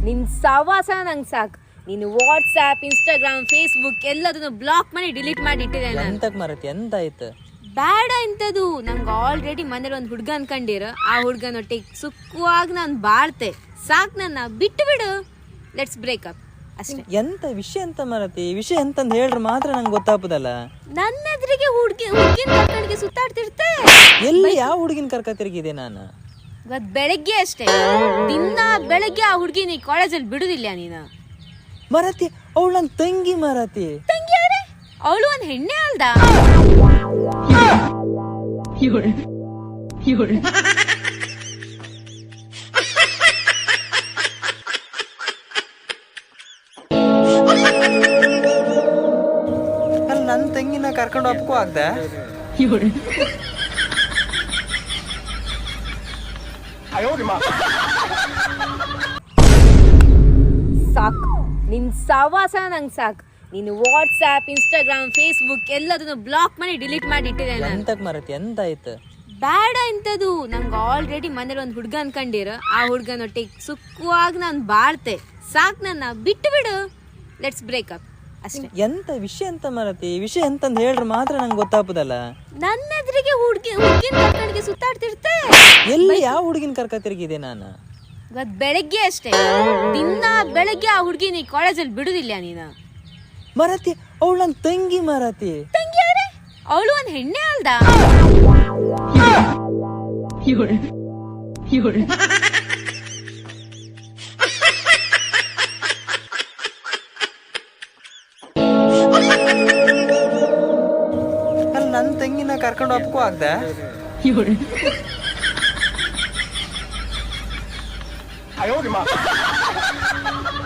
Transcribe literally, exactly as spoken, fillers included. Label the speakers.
Speaker 1: ನಿನ್ ಸವಾಸ ನಂಗೆ ಸಾಕು. ನೀನು ವಾಟ್ಸ್ಆ್ಯಪ್, ಇನ್ಸ್ಟಾಗ್ರಾಮ್, ಫೇಸ್ಬುಕ್ ಎಲ್ಲದನ್ನು ಬ್ಲಾಕ್ ಮಾಡಿ ಡಿಲೀಟ್ ಮಾಡಿ ಇಟ್ಟಿದೆ ನಾನು.
Speaker 2: ಎಂತಕ್ ಮರತಿ ಎಂತ ಆಯ್ತು?
Speaker 1: ಬೇಡ ಇಂಥದ್ದು. ನಂಗೆ ಆಲ್ರೆಡಿ ಮನೇಲಿ ಒಂದು ಹುಡ್ಗ ಅನ್ಕೊಂಡಿರ, ಆ ಹುಡ್ಗನೊಟ್ಟಿಗೆ ಸುಖವಾಗಿ ನಾನು ಬಾಳ್ತೆ. ಸಾಕು, ನನ್ನ ಬಿಟ್ಟು ಬಿಡು. ಲೆಟ್ಸ್ ಬ್ರೇಕಪ್ ಅಷ್ಟೇ.
Speaker 2: ಎಂತ ವಿಷಯ ಎಂತ ಮರತಿ? ವಿಷಯ ಎಂತಂದ್ ಹೇಳ್ರೆ ಮಾತ್ರ ನಂಗೆ ಗೊತ್ತಾಗ್ತದಲ್ಲ.
Speaker 1: ನನ್ನ ಎದುರಿಗೆ ಹುಡ್ಗಿ ಹುಡ್ಗಿನ ಕರ್ಕಂಡಿಗೆ ಸುತ್ತಾಡ್ತಿರ್ತೆ.
Speaker 2: ಎಲ್ಲಿ ಯಾವ ಹುಡುಗಿನ ಕರ್ಕ ತಿರುಗಿದೆ ನಾನು?
Speaker 1: ಇವತ್ತು ಬೆಳಗ್ಗೆ ಅಷ್ಟೇ, ದಿನ ಬೆಳಗ್ಗೆ ಆ ಹುಡ್ಗಿ ನೀ ಕಾಲೇಜಲ್ಲಿ ಬಿಡುದಿಲ್ಲ ನೀನು.
Speaker 2: ಮರತಿ ಅವಳು ನನ್ನ ತಂಗಿ ಮರತಿ.
Speaker 1: ತಂಗಿ ಯಾರೇ? ಅವಳು ಒಂದು ಹೆಣ್ಣೆ ಅಲ್ದ?
Speaker 2: ಅಲ್ಲಿ ನನ್ನ ತಂಗಿನ ಕರ್ಕೊಂಡು ಒಪ್ಕೋ ಆಗ್ದ?
Speaker 1: ಸಾಕು, ನಿನ್ ಸವಾಸ ನಂಗೆ ಸಾಕು. ನೀನು ವಾಟ್ಸ್ಆ್ಯಪ್, ಇನ್ಸ್ಟಾಗ್ರಾಮ್, ಫೇಸ್ಬುಕ್ ಎಲ್ಲದನ್ನು ಬ್ಲಾಕ್ ಮಾಡಿ ಡಿಲೀಟ್ ಮಾಡಿ ಇಟ್ಟಿದೆ ನಾನು.
Speaker 2: ಎಂತಕ್ ಮರತಿ ಎಂತ ಆಯ್ತು?
Speaker 1: ಬೇಡ ಇಂಥದ್ದು. ನಂಗೆ ಆಲ್ರೆಡಿ ಮನೇಲಿ ಒಂದು ಹುಡ್ಗ ಅನ್ಕೊಂಡಿರ, ಆ ಹುಡ್ಗನೊಟ್ಟಿಗೆ ಸುಖವಾಗಿ ನಾನು ಬಾಳ್ತೆ. ಸಾಕು, ನನ್ನ ಬಿಟ್ಟು ಬಿಡು. ಲೆಟ್ಸ್ ಬ್ರೇಕಪ್ ಅಷ್ಟೇ.
Speaker 2: ಎಂತ ವಿಷಯ ಎಂತ ಮರತಿ? ವಿಷಯ ಎಂತಂದ್ ಹೇಳ್ರೆ ಮಾತ್ರ ನಂಗೆ ಗೊತ್ತಾಗ್ತದಲ್ಲ.
Speaker 1: ನನ್ನ ಎದುರಿಗೆ ಹುಡ್ಗಿ ಹುಡ್ಗಿನ ಕರ್ಕಂಡಿಗೆ ಸುತ್ತಾಡ್ತಿರ್ತೆ.
Speaker 2: ಎಲ್ಲಿ ಯಾವ ಹುಡುಗಿನ ಕರ್ಕ ತಿರುಗಿದೆ ನಾನು?
Speaker 1: ಇವತ್ತು ಬೆಳಗ್ಗೆ ಅಷ್ಟೇ, ದಿನ ಬೆಳಗ್ಗೆ ಆ ಹುಡ್ಗಿ ನೀ ಕಾಲೇಜಲ್ಲಿ ಬಿಡುದಿಲ್ಲ ನೀನು.
Speaker 2: ಮರತಿ ಅವಳು ನನ್ನ ತಂಗಿ ಮರತಿ.
Speaker 1: ತಂಗಿ ಯಾರೇ? ಅವಳು ಒಂದು ಹೆಣ್ಣೆ ಅಲ್ದ?
Speaker 2: ಅಲ್ಲಿ ನನ್ನ ತಂಗಿನ ಕರ್ಕೊಂಡು ಒಪ್ಕೋ ಆಗ್ದ?
Speaker 3: 哎呦我的妈！